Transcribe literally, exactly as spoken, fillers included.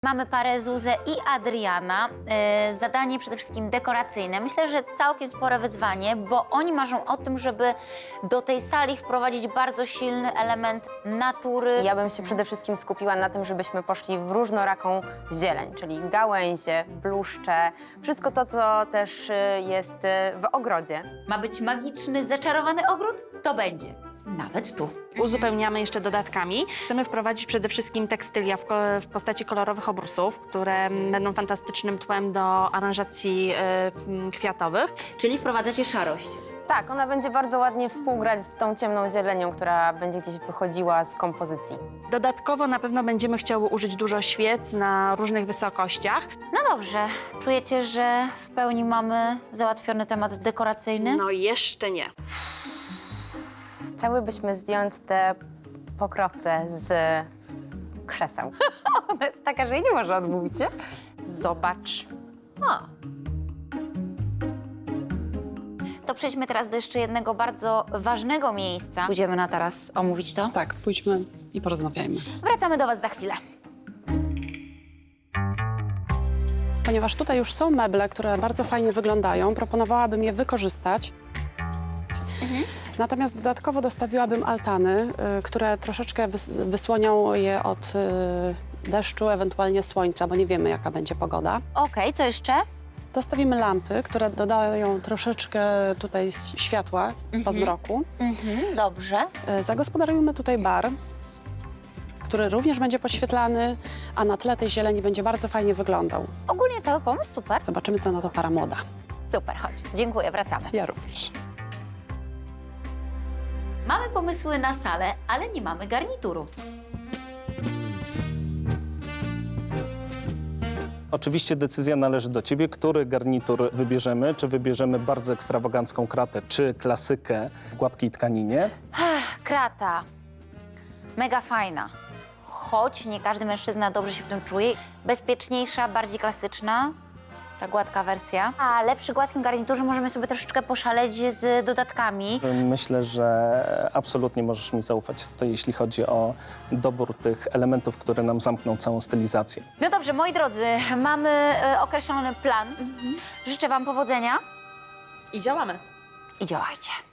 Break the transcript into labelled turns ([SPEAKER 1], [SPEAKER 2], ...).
[SPEAKER 1] Mamy parę Zuzę i Adriana. Yy, zadanie przede wszystkim dekoracyjne. Myślę, że całkiem spore wyzwanie, bo oni marzą o tym, żeby do tej sali wprowadzić bardzo silny element natury.
[SPEAKER 2] Ja bym się przede wszystkim skupiła na tym, żebyśmy poszli w różnoraką zieleń, czyli gałęzie, bluszcze, wszystko to, co też y, jest y, w ogrodzie.
[SPEAKER 1] Ma być magiczny, zaczarowany ogród? To będzie. Nawet tu.
[SPEAKER 3] Uzupełniamy jeszcze dodatkami. Chcemy wprowadzić przede wszystkim tekstylia w, ko w postaci kolorowych obrusów, które będą fantastycznym tłem do aranżacji y, kwiatowych.
[SPEAKER 1] Czyli wprowadzacie szarość.
[SPEAKER 2] Tak, ona będzie bardzo ładnie współgrać z tą ciemną zielenią, która będzie gdzieś wychodziła z kompozycji.
[SPEAKER 3] Dodatkowo na pewno będziemy chciały użyć dużo świec na różnych wysokościach.
[SPEAKER 1] No dobrze. Czujecie, że w pełni mamy załatwiony temat dekoracyjny?
[SPEAKER 3] No jeszcze nie.
[SPEAKER 2] Chciałybyśmy zdjąć te pokrowce z krzeseł. Ona jest taka, że jej nie może odmówić, nie? Zobacz.
[SPEAKER 1] O. To przejdźmy teraz do jeszcze jednego bardzo ważnego miejsca. Pójdziemy na teraz omówić to.
[SPEAKER 4] Tak, pójdźmy i porozmawiajmy.
[SPEAKER 1] Wracamy do Was za chwilę.
[SPEAKER 4] Ponieważ tutaj już są meble, które bardzo fajnie wyglądają, proponowałabym je wykorzystać.
[SPEAKER 1] Mhm.
[SPEAKER 4] Natomiast dodatkowo dostawiłabym altany, y, które troszeczkę wys wysłonią je od y, deszczu, ewentualnie słońca, bo nie wiemy, jaka będzie pogoda.
[SPEAKER 1] Okej, co jeszcze?
[SPEAKER 4] Dostawimy lampy, które dodają troszeczkę tutaj s- światła
[SPEAKER 1] Mhm.
[SPEAKER 4] po zmroku.
[SPEAKER 1] Mhm, dobrze.
[SPEAKER 4] Y, Zagospodarujmy tutaj bar, który również będzie podświetlany, a na tle tej zieleni będzie bardzo fajnie wyglądał.
[SPEAKER 1] Ogólnie cały pomysł super.
[SPEAKER 4] Zobaczymy, co na to para młoda.
[SPEAKER 1] Super, chodź. Dziękuję, wracamy.
[SPEAKER 4] Ja również.
[SPEAKER 1] Mamy pomysły na salę, ale nie mamy garnituru.
[SPEAKER 5] Oczywiście decyzja należy do ciebie, który garnitur wybierzemy. Czy wybierzemy bardzo ekstrawagancką kratę, czy klasykę w gładkiej tkaninie.
[SPEAKER 1] Ech, krata. Mega fajna. Choć nie każdy mężczyzna dobrze się w tym czuje. Bezpieczniejsza, bardziej klasyczna. Ta gładka wersja. Ale przy gładkim garniturze możemy sobie troszeczkę poszaleć z dodatkami.
[SPEAKER 5] Myślę, że absolutnie możesz mi zaufać tutaj, jeśli chodzi o dobór tych elementów, które nam zamkną całą stylizację.
[SPEAKER 1] No dobrze, moi drodzy, mamy e, określony plan. Życzę Wam powodzenia
[SPEAKER 3] I działamy.
[SPEAKER 1] i działajcie.